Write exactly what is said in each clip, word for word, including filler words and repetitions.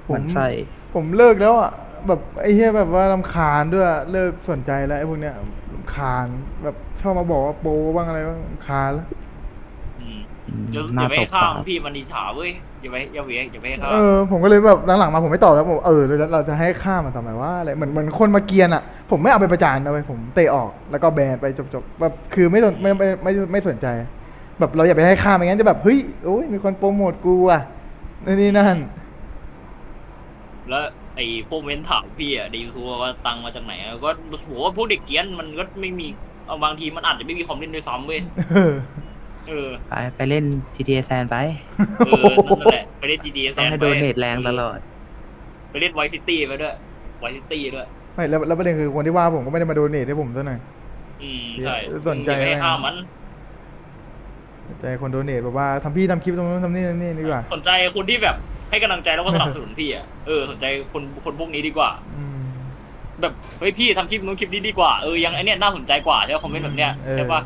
ผมมันไส้ผมเลิกแล้วอ่ะแบบไอ้เหี้ยแบบว่ารำคาญด้วยเลิกสนใจแล้วไอ้พวกเนี้ยรำคาญแบบชอบมาบอกว่าโปบ้างอะไรบ้างรำคาญแล้วอืมอืมอย่าหน้าตอย่าไปให้ข้าบปากมพี่มันอิจฉาเว้ยอย่าไปอย่าไปอย่าไปให้ข้าเออผมก็เลยแบบหลังๆมาผมไม่ตอบแล้วผมเออเราเราจะให้ค่ามันทำไมว่าอะไรเหมือนเหมือนคนมาเกรียนอ่ะผมไม่เอาไปประจานนะเว้ยผมเตะออกแล้วก็แบนไปจบๆแบบคือไม่สนไม่ไม่ไม่ไม่ไม่สนใจ แบบเราอย่าไปให้ค่าไม่งั้นจะแบบเฮ้ยโอ้ยมีคนโปรโมทกูอ่ะนี่นี่นั่นแล้วไอ้พวกเม้นถามพี่อ่ะดีคือว่าตังค์มาจากไหนอะก็โหว่าพวกเด็กเกรียนมันก็ไม่มีเอาบางทีมันอาจจะไม่มีคอมเล่นด้วยซ้ำเว้ยเออเออไปไปเล่น จี ที เอ แซนไปเออนั่นแหละไปเล่น จี ที เอ แซต้องนให้ไปโดเนทแรงตลอดไปเล่นไวซิตี้ไปด้วยไวซิตี้ด้วยไม่แล้วแล้วประเด็นคือคนที่ว่าผมก็ไม่ได้มาโดเนทให้ผมซะหน่อยอืมใช่สนใจอย่าไปให้ข้ามมันใจคนโดเนทแบบว่าทำพี่ทำคลิปตรงนู้นทำนี่ทำนี่ดีกว่าสนใจคนที่แบบให้กำลังใจแล้วก็สนับสนุนพี่อ่ะเออสนใจคนคนพวกนี้ดีกว่าอืมแบบเฮ้ยพี่ทำคลิปนู้นคลิปนี้ดีกว่าเออยังไอเนี้ยน่าสนใจกว่าใช่ไหมคอมเมนต์แบบเนี้ยเออใช่ปะ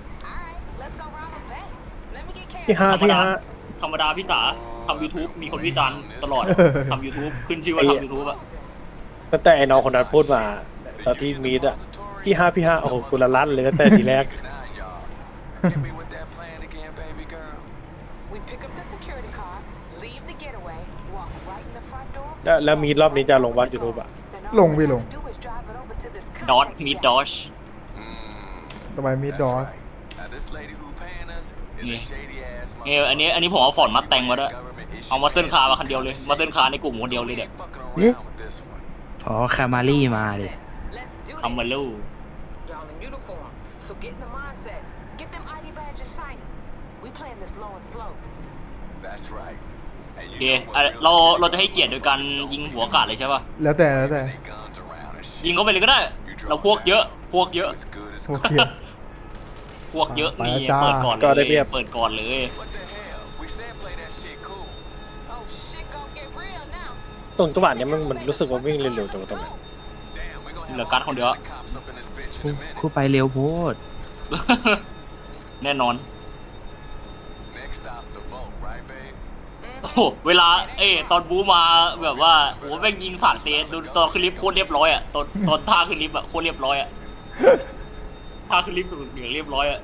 พี่ห้าพี่ห้าธรรมดาพี่สาทำ YouTube มีคนวิจารณ์ตลอดทำ YouTube ขึ้นชื่อว่าทำ YouTube อ่ะตั้งแต่ไอ้น้องคนนั้นพูดมาตอนที่มีดอะพี่ห้าพี่ห้าโอ้โหกุละลั่นเลยตั้งแต่ทีแรก Hit me with that plan again, baby girl. We pick up the security car, leave the getaway, walk right in the front door. แล้วแล้วมีรอบนี้จะลงวัดยูทูบอะ Then ล all ง we พี่ลง gotta do is drive it over to this ดอท contact มี guy. ดอช Mm, ต่อไปมีดอส that's right. Now, this lady who paying us is a Yeah. shady ass เอออันนี้อันนี้ผมเอาฟอร์ดมาแต่งมาด้วย เอามาเส้นคาร์มาคันเดียวเลย มาเส้นคาร์ในกลุ่มคนเดียวเลยเนี่ย fucking around with this one. อ๋อคามารี่มาดิ Let's do ทำมา this. ลู Y'all in uniform, so get in the mindset. Get them ไอ ดี badges shiny. We playing this low and slow. That's right. And โอ you เค know อ่ะ what เรา real เราจะให้เกียรติโดยการยิงหัวอากาศเลยใช่ป่ะแล้วแต่แล้วแต่ they guns around and shit. ยิงเข้าไปเลยก็ได้ เราพวกเยอะ พวกเยอะ As good as โอเคพวกเยอะไปนี่จ้าเปิดก่อนก็เลได้ยเปรียบเปิดก่อนเลย what the hell? We said play that shit cool. Oh shit, gon' get real now. ตรงจังหวะเนี้ยมันมันรู้สึกว่าวิ่งเร็วๆจังตรงนั้น Damn, we gonna เหลือ have การ์ด all คน the เดียว cops up in this bitch คู่ in a minute. คู่ไปเร็วโพดแน่นอน Next stop, the vote, right, babe? โอ้โหเวลา เอ้ยตอนบูมาแบบว่าโอ้โหแม่งยิงสาดเซนดูตอนขึ้นลิฟต์โคตรเรียบร้อยอ่ะตอนตอนท่าขึ้นลิฟต์อ่ะโคตรเรียบร้อยอ่ะท่าขึ้นลิฟต์เหนือเรียบร้อยอ่ะ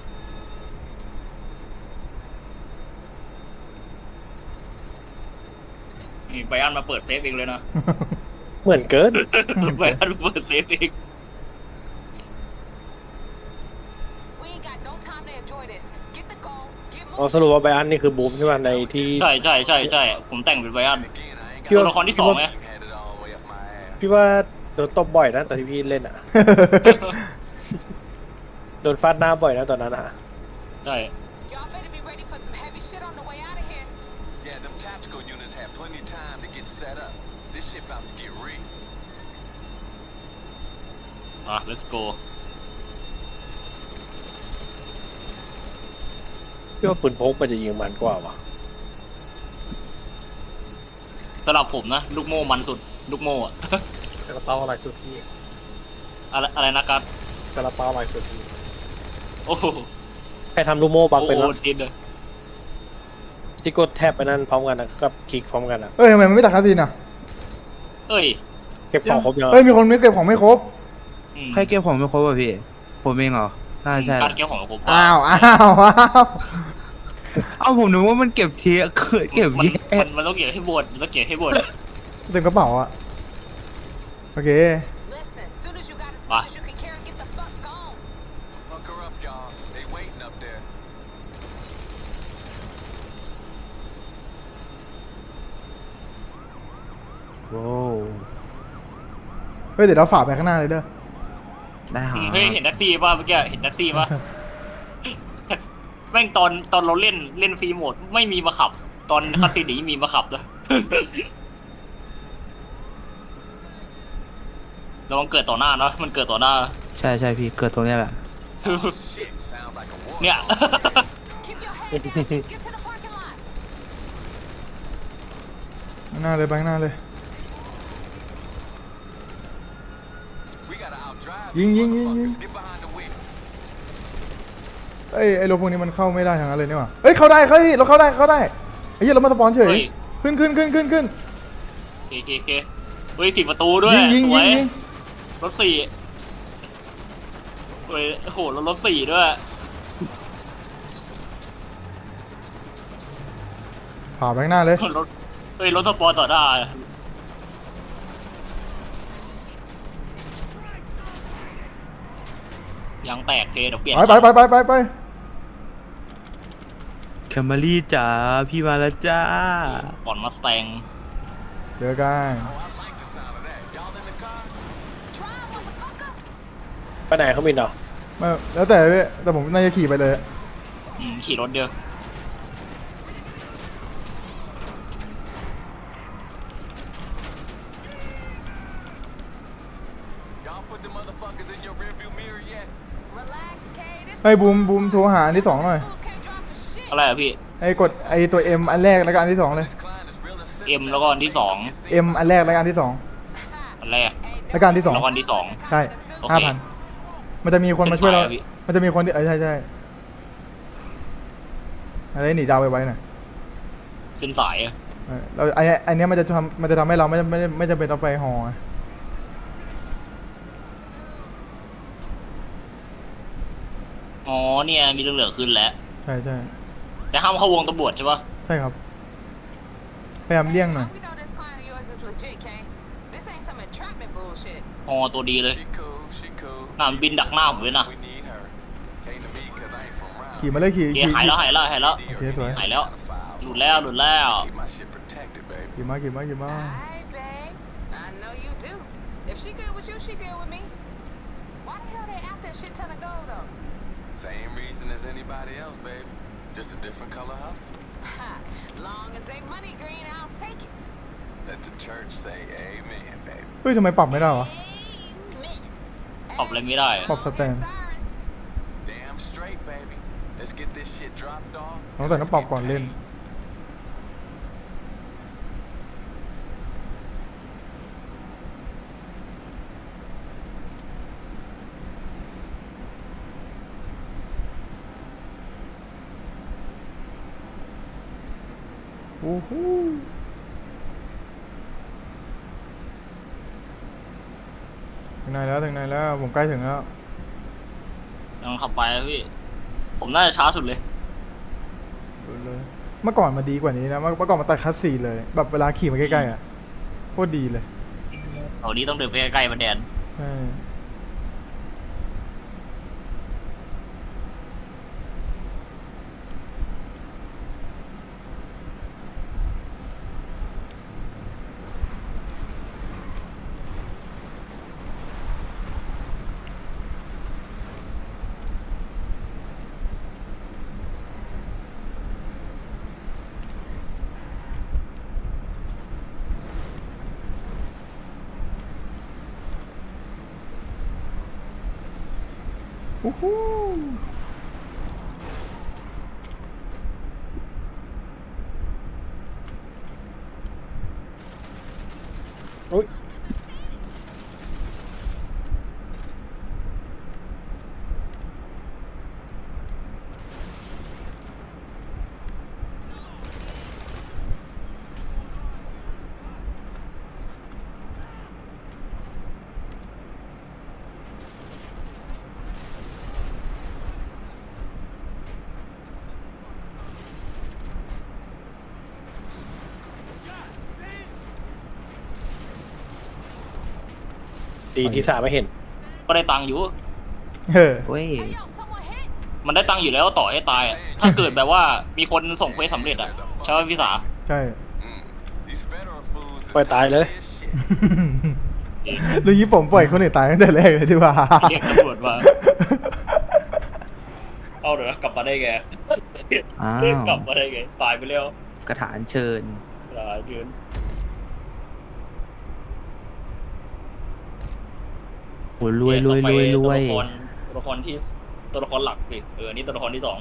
นี่ไบอันมาเปิดเซฟเองเลยนะเหมือนเกินไบอันมาเปิดเซฟเอง We ain't got no time to enjoy this. Get the goal, get อ๋อ moving. สรุปว่าไบอันนี่คือบูมใช่ไหมในที่ใช่ใช่ใช่ใช่ผมแต่งเป็นไบอัน Again, I ain't พี่ตัวว่าละครที่สองไง got had it all the way up my ass. พี่ว่าโดนตบบ่อยนะตอนที่พี่เล่นอะโดนฟาดหน้าบ่อยนะตอนนั้นอะใช่ Y'all better be ready for some heavy shit on the way out of here. Yeah, them tactical units had plenty of time to get set up. This shit about to get real. อ่ะ let's go พี่ว่าปืนพกมันจะยิงมันกว่าวะสำหรับผมนะลูกโม่มันสุดลูกโม่อะกระเป๋าอะไรสุดที่อะไรอะไรนะครับกระเป๋าอะไรสุดที่โอ้โหใครทำลูกโม่บังโอ้เป็นโหแล้วดินเลยที่กดแทบไปนั่นพร้อมกันนะกับคลิกพร้อมกันอะเอ้ยทำไมมันไม่ตัดคาสินอ่ะเอ้ยเก็บของครบยังเอ้ยมีคนไม่เก็บของไม่ครบอืมใครเก็บของไม่ครบอ่ะพี่ ผมเองเหรอ น่าใช่การเก็บของผมอ้าวอ้าวอ้าวเอ้าผมนึกว่ามันเก็บเทียเก็บมันแยมักนมันต้องเก็บให้บดมันต้องเก็บให้บดเต็มกระเป๋าอ่ะโอเค Listen, soon as you got as Bye. much as you can carry, get the fuck gone. Fuck her up, y'all. They waiting up there. โว้วเฮ้ยเดี๋ยวเราฝ่าไปข้างหน้าเลยเด้อได้หาอืมเฮ้ยเห็นแท็กซี่ป่ะเมื่อกี้เห็นแท็กซี่ป่ะแท็กแม่งตอนตอนเราเล่นเล่นฟรีโหมดไม่มีมาขับ ตอนคาสิโนมีมาขับด้วย ระวังเกิดต่อหน้าเนาะมันเกิดต่อหน้าใช่ใช่พี่เกิดตรงเนี้ยแหละ Shit, sounds like a war. เนี่ย Keep your head down, just get to the parking lot. ข้างหน้าเลยไปข้างหน้าเลย We gotta outdrive Ying, these ying, ying, motherfuckers. ying. Get behind the wheel. เอ้ยไอ้รถพวกนี้มันเข้าไม่ได้ทางนั้นเลยนี่หว่าเอ้ยเข้าได้เข้าได้เราเข้าได้เข้าได้ไอ้เหี้ยเรามาสปอนเฉยเฮ้ยขึ้นขึ้นขึ้นขึ้นขึ้นเคเคเคเฮ้ยสี่ประตูด้วยยิงยิงสยิวงยยิงรถสี่เฮ้ยโอ้โหรถรถสี่ด้วยผ่าไปข้างหน้าเลยรถเฮ้ยรถสปอร์ตต่อได้ยางแตกเคเดี๋ยวเปลี่ยนไปไปไปไปไปไปแคมรี่จ๋าพี่มาแล้วจ้าก่อนมาสแตงเจอกันไปไหนเขามินเหรอไม่แล้วแต่พี่แต่ผมน่าจะขี่ไปเลยอืมขี่รถเดียว Y'all put the motherfuckers in your rearview mirror yet? Relax, Kay. This ให้บูมบูมโทรหาอันที่สองหน่อย fools can't drop for shit. อะไรอะพี่ไอ้กดไอ้ตัว M อันแรกแล้วก็อันที่สองเลย This client is real and เอ็มแล้วก็อันที่สอง M อันแรกแล้วก็อันที่สองอันแรกแล้วก็อันที่สองแล้วก็อันที่สองใช่โอเคห้าพันมันจะมีคนมาช่วยเราเส้นสายอะพี่มันจะมีคนที่เออใช่ใช่อะไรหนีดาวไปไว้น่ะเส้นสายอะเออเราไอ้ไอ้เนี้ยมันจะทำมันจะทำให้เราไม่ไม่ไม่จำเป็นต้องไปหออ๋อเนี่ยมีเหลืองๆขึ้นแล้วใช่ใช่แต่ห้ามเข้าวงตำรวจใช่ปะใช่ครับพยายามเลี่ยงหน่อย We know this client of yours is legit, Kay. This ain't some entrapment bullshit. ฮอตัวดีเลย She cool, she cool. น่ามันบินดักหน้าผมเลยนะ We need her. Came to me 'cause I ain't from round. ขี่มาเลยขี่โอเคขี่หายแล้วหายแล้วหายแล้วโอเคสวยหายแล้ว หลุดแล้วหลุดแล้ว Keep my shit protected, baby. ขี่มาขี่มาขี่มา Alright, babe. I know you do. If she good with you, she good with me. Why the hell they after a shit ton of gold, though? Same reason as anybody else, baby. Just a different color hustle. Ha! Long as they money green, I'll take it. Let the church say amen, baby. เฮ้ยทำไมปรับไม่ได้วะ Amen. ปรับอะไรไม่ได้อะปรับสแตน Sirens. Damn straight, baby. Let's get this shit dropped off. น้องแต่ต้องปรับก่อนเล่น โอ้โหถึงไหนแล้วถึงไหนแล้ว ผมใกล้ถึงแล้วยังขับไปอะพี่ ผมน่าจะช้าสุดเลยดูเลย เมื่อก่อนมาดีกว่านี้นะ เมื่อเมื่อก่อนมาตัดคัสซีเลย แบบเวลาขี่มาใกล้ๆอ่ะโคตรดีเลยเอานี้ต้องเดินไปใกล้ๆมันแดนใช่โอ้โหโอ้ยดีที่สามไม่เห็นก็ได้ตังค์อยู่เออเว้ย Hey, yo, someone hit. มันได้ตังค์อยู่แล้วต่อให้ตายอะถ้าเกิดแบบว่ามีคนส่งเควสสำเร็จอะใช่ไหมพี่สาใช่ Mm. These federal fools is ปล่อยตายเลย not this shit. ลุงยี่ผมปล่อยคนอื่นตายตั้งแต่แรกเลยดีกว่าเรียกตำรวจมา เอาเดี๋ยวนะกลับมาได้ไงอ้าวกลับมาได้ไง ตายไปแล้วกระถานเชิญหลายเดือนโอ้รวยรวยรวยรวยตัวละครตัวละครที่ตัวละครหลักสิ เออ นี่ตัวละครที่สอง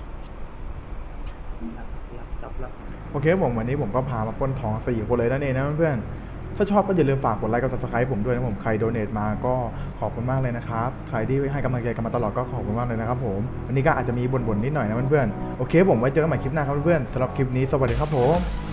โอเคผมวันนี้ผมก็พามาปล้นทองสี่คนเลยนั่นเองนะเพื่อนๆถ้าชอบก็อย่าลืมฝากกดไลค์กด ซับสไครบ์ ผมด้วยนะผมใครโดเนทมาก็ขอบคุณมากเลยนะครับใครที่ให้กำลังใจกันมาตลอดก็ขอบคุณมากเลยนะครับผมวันนี้ก็อาจจะมีบ่นๆนิดหน่อยนะเพื่อนๆโอเคผมไว้เจอกันใหม่คลิปหน้าครับเพื่อนๆสำหรับคลิปนี้สวัสดีครับผม